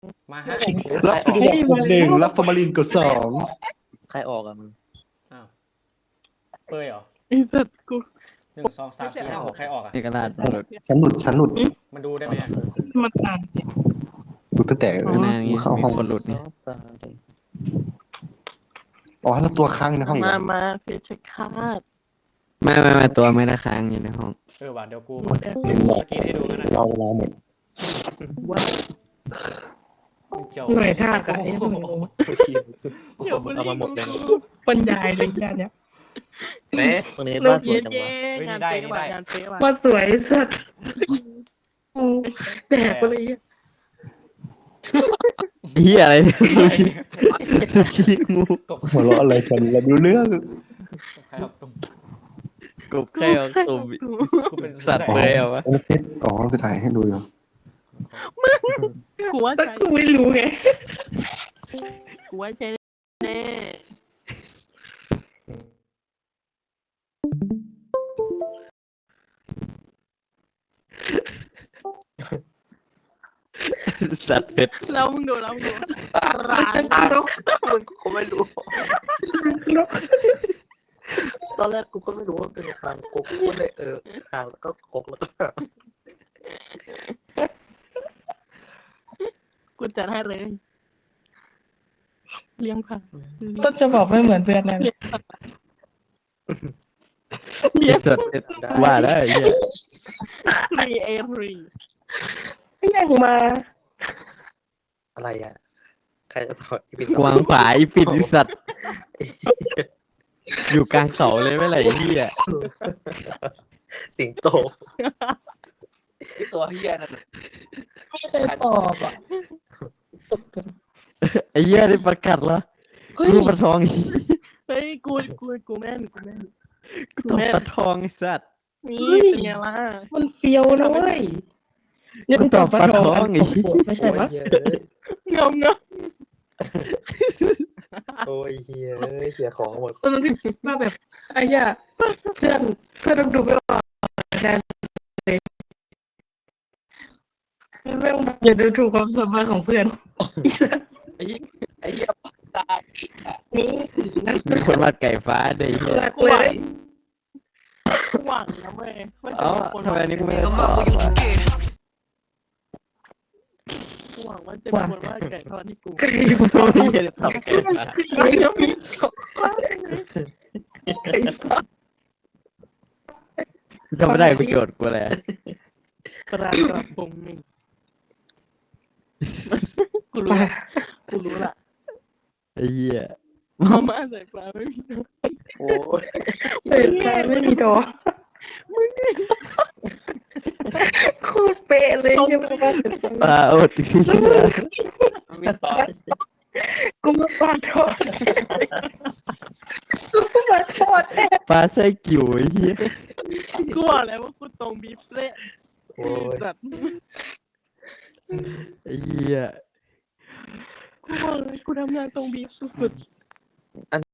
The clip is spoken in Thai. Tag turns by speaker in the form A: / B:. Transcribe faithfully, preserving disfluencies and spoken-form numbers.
A: มาฮะ
B: รับไปกดหนึ่งรับฟอร์มาลินกดสอง
C: ใครออกอะมึง
A: อ้าวเปยเหรอ
D: ไอ้สัตว์กู
A: หนึ่งสองสามสี่ห้าหกใครออกอ่ะ
E: เอกราช
B: ฉันหลุดฉันหลุด
A: มันดูได้ไหมอะ
D: มันอ่าน
B: หลุดตั้งแต่
E: ข้างหน้านี้
B: เข้า
E: มี
B: ห้อง
E: คนหลุดนี่
B: อ๋อแล้วตัวค้างอยู่ในห้องอีก
D: มา
B: เหรอ
D: มาเพชรฆาต
E: ไม่ไม่ไม่ตัวไม่ได้ค้างอยู่ในห้อง
A: เออว่ะเดี๋ยวกู
D: หมดแล้ว
B: เห็นหรอ
A: เมื่อกี้ให้ดูกันนะ
B: รอเวลาหมด
D: ว่า
A: เกี่ยว
D: หน่วยท่ากับไอ้พวก
C: โอเคเอามาหมดเลยนะ
D: บรรยายเลยยานเนี้ย
C: แม่ตรงนี้บ้านสวยจังวะ
D: งานเป๊ะว่ะงานเป๊ะว่ะมาสวยสัตว์แดกไปเลย
E: เฮียอะไรเนี่ยซูชิงู
A: กบ
B: หัวเราะอะไรกันเราดูเรื่อง
A: ใครออกตุ้ม
E: กบแค่เอาตุ่ม
A: กูเป็น
E: สัตว์เลยเหรอวะ
B: โอ้เพชรอ๋อไปถ่ายให้ดูอยู่
D: กูว่าแต่กูไม่รู้ไงกูว่าใช่แน่
E: สัตว์เพชร
D: แล้วมึงดูแล้วมึงดูร้าน
C: มึงกูไม่รู้ ตอนแรกกูก็ไม่รู้ว่าเป็นคางกกกูเลยเออคางแล้วก็กกแล้วก็
D: กูจัดให้เลยเลี้ยงผัก
F: ต้นจะบอกไม่เหมือนเพื่อนนะ
D: เลี้ยง
E: สัตว์เพชรว่าได้เฮีย
D: ฟรีเอฟรี
F: ไม่ยังมา
C: อะไรอ่ะใครจะถอดอีปิน
E: กวางผาอีปิดอีสัตว์อยู่กลางเขาเลยไม่ไหลเฮีย
C: สิงโต
G: ตัวเฮียนั่น
F: ไม่เคยตอบอ่ะ
E: ไอ้เฮียได้ประกาศแล้ว
F: เฮ้ย
E: รูปปลาทอง
D: เฮ้ยกูกูกูแม่นกูแม่น
E: ตบปลาทองไอ้สัตว์
D: นี่เป็นไงล่ะ
F: มันเฟี้ยวนะเว้ยยังตอบปลาทองไม่ใช่ปะ
D: เงาเงา
C: โอ้ยเฮียเสียของหมด
F: ตอนนั้นที่ว่าแบบไอ้ย่าเพื่อนเพื่อนต้องดูไม่ออกแน่เลยแม่งอย่าดูถูกความสามารถของเพื่อน
G: ไอ้เหี้ยไอ้เหี้ยตาย
F: นี่นั่น
E: มีคนวาดไก่ฟ้าได้เฮีย
F: รัก
D: กู
F: เล
D: หวัง
F: ย
D: กูหวังนะเว้ยว่าจะ
E: เอ้า
D: มีคน
E: ทำไมอันนี้กูไม่ได้ตอบวะ
D: กูหวังว่าจะมีคนว่าไก่ทอดที่กู
F: กรีบ
E: ไม่ได้ตอบไก่ฟ้า
F: ไอ้ยังมีสองคน
E: ก็ไม่ได้ประโยชน์กูเลย
D: กระกระปงหนึ่งกูรู้ละกูรู้ละ
E: ไอ้เหี้ย
D: มาม่าใส่ปลาไม่มีน้ำ
C: โอ้ย
F: เปิดใจไม่มีตัวโคตรเป๊ะเลยยังไม่ว่าจะ
E: ปลาอดเหี้ย
G: ไม่ตอบ
F: กูมาปาทอดกูมาทอดแน่
E: ปลาไส้กิ่วไอ้เหี้ย
D: กูบอกแล้วว่ากูตรงบีฟเละ
C: โอ้ย
D: สัตว์
E: ไอ้เหี้ย
D: กูบอกเลยกูทำงานตรงบีฟสุด